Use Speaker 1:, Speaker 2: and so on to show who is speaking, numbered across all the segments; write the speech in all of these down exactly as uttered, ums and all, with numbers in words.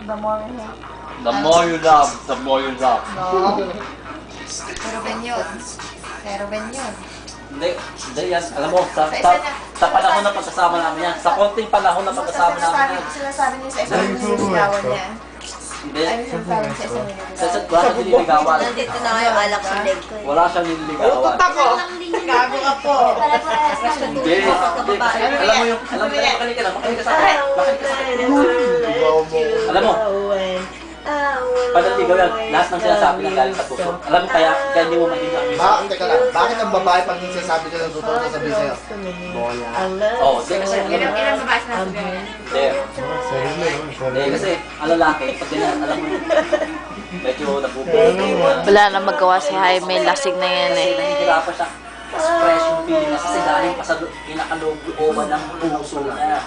Speaker 1: The more you hate.
Speaker 2: The more you love, the more you love.
Speaker 1: No. Pero Ben yun. Pero Ben yun.
Speaker 2: Hindi, hindi yan. Alam mo, sa, sa, sa panahon na pagkasama namin yan, sa konting panahon na pagkasama namin yan.
Speaker 1: Sinasabi niya sa isang nililigawan niya.
Speaker 2: Hindi.
Speaker 1: Ay, sinasabi niya sa isang
Speaker 2: Sa sa
Speaker 1: nililigawan.
Speaker 2: wala siyang nililigawan.
Speaker 3: Nandito na kayo alak sa leg ko eh.
Speaker 2: Wala siyang nililigawan.
Speaker 1: Ako! Gago ka po!
Speaker 2: Hindi, hindi. Kasi alam mo yung, alam mo, makinig ka lang, makinig ka sa akin. Makinig ka sa akin. Alam mo, panaligaw yan, lahat ng sinasabi ng galing sa puso. Alam mo kaya, kaya hindi mo maintindihan.
Speaker 4: Bakit, teka lang, bakit ang babae pag sinasabi ka ng totoo sasabihin sa'yo? Bola.
Speaker 2: Oo, hindi kasi, alam
Speaker 1: Ilang
Speaker 2: mo,
Speaker 1: ilang babae sinasabi niya?
Speaker 2: hindi. Hindi, kasi, ang lalaki, pag ganyan, alam mo, medyo nabubuhay.
Speaker 3: Wala na magawa si Jaime, lasing na yan
Speaker 2: Kasi
Speaker 3: eh.
Speaker 2: nahihirapan siya. Mas fresh yung feeling niya kasi galing pa sa pinakalooban ng puso niya.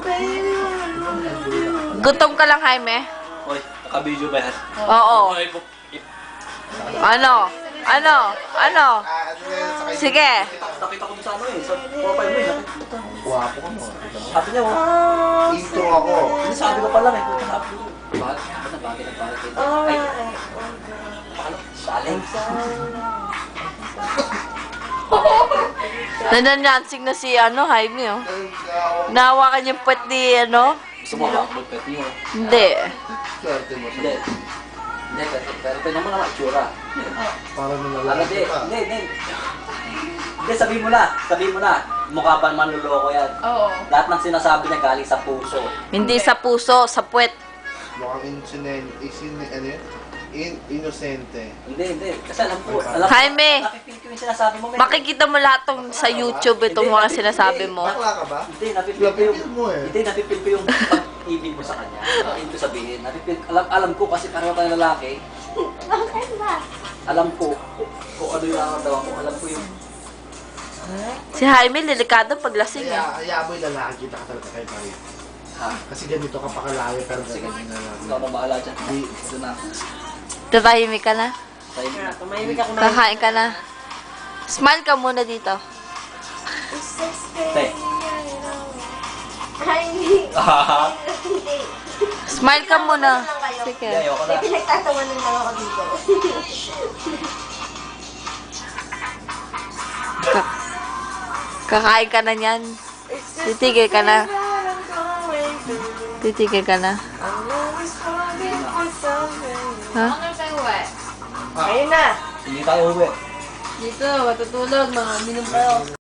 Speaker 3: Gutom ka lang, Jaime?
Speaker 2: Hoy, naka-video ba yan?
Speaker 3: Oo.
Speaker 2: Hoy, bu-
Speaker 3: Ano? Ano? Ano?
Speaker 4: Ah, ano na yun sa kanya?
Speaker 3: Sige.
Speaker 2: Nakita ko sa ano eh, sa profile mo eh, nakita ko.
Speaker 4: Guwapo ka mo.
Speaker 2: Sabi niya, oh,
Speaker 4: Intro ako.
Speaker 2: hindi sabi ko pa lang eh, kung sabi ko. Bakit? Bakit na bakit na bakit? Ay, paano? Saling.
Speaker 3: Nananyansing na si ano, Jaime oh. Nahawakan yung puwet ni ano?
Speaker 2: Gusto mo ba? Magpet niyo.
Speaker 3: Hindi.
Speaker 4: Swerte mo
Speaker 2: Hindi.
Speaker 4: sa
Speaker 2: Hindi, pero, pero ito naman ang itsura.
Speaker 4: para mo
Speaker 2: Ano,
Speaker 4: nalalaki
Speaker 2: hindi,
Speaker 4: pa.
Speaker 2: hindi, hindi. Hindi, sabihin mo na, sabihin mo na. Mukha pa manluloko yan.
Speaker 1: Oo.
Speaker 2: Lahat ng sinasabi niya galing sa puso.
Speaker 3: Hindi sa puso, sa puwet.
Speaker 4: Mukhang insinent, isin, ano yun? In, inosente.
Speaker 2: Hindi, hindi. Kasi alam ko, alam ko,
Speaker 3: Jaime!
Speaker 2: napipil ko yung sinasabi mo. men.
Speaker 3: Makikita mo lahat tong sa YouTube itong mga sinasabi mo.
Speaker 4: Bakla ka ba?
Speaker 2: Hindi, napipil ko yung,
Speaker 4: Napipil mo eh.
Speaker 2: hindi, napipil ko yung pag-ibig mo sa kanya. Ano ito sabihin? Napipil, alam, alam ko kasi pareho tayong lalaki.
Speaker 1: Bakit ba?
Speaker 2: Alam ko kung ano yung nakatawan ko. Alam ko yung,
Speaker 3: Si Jaime, delikado pag lasing eh.
Speaker 4: Kaya, kaya mo yung lalaki, kita ka talaga kay Marie.
Speaker 2: ha?
Speaker 4: Kasi ganito ka pakalayo, pero
Speaker 2: Sige,
Speaker 4: ganyan na lang.
Speaker 2: ikaw na bahala dyan.
Speaker 4: Di,
Speaker 2: Ito na.
Speaker 3: Tatahimik ka na.
Speaker 2: Tayo na.
Speaker 3: Kakain ka na. Smile ka muna dito.
Speaker 2: Te.
Speaker 1: Ay, hindi.
Speaker 2: Ah,
Speaker 1: Hindi.
Speaker 3: Smile ka muna.
Speaker 2: Hindi,
Speaker 3: Sige.
Speaker 2: ayoko na.
Speaker 1: Pinagtatawanan lang ako dito.
Speaker 3: Ka- Kakain ka na niyan. Titigil ka na. Titigil ka na. Ha?
Speaker 1: Ano tayo eh?
Speaker 4: Ayun na!
Speaker 2: Hindi tayo uwi.
Speaker 1: Dito, matutulog, mga minum tayo.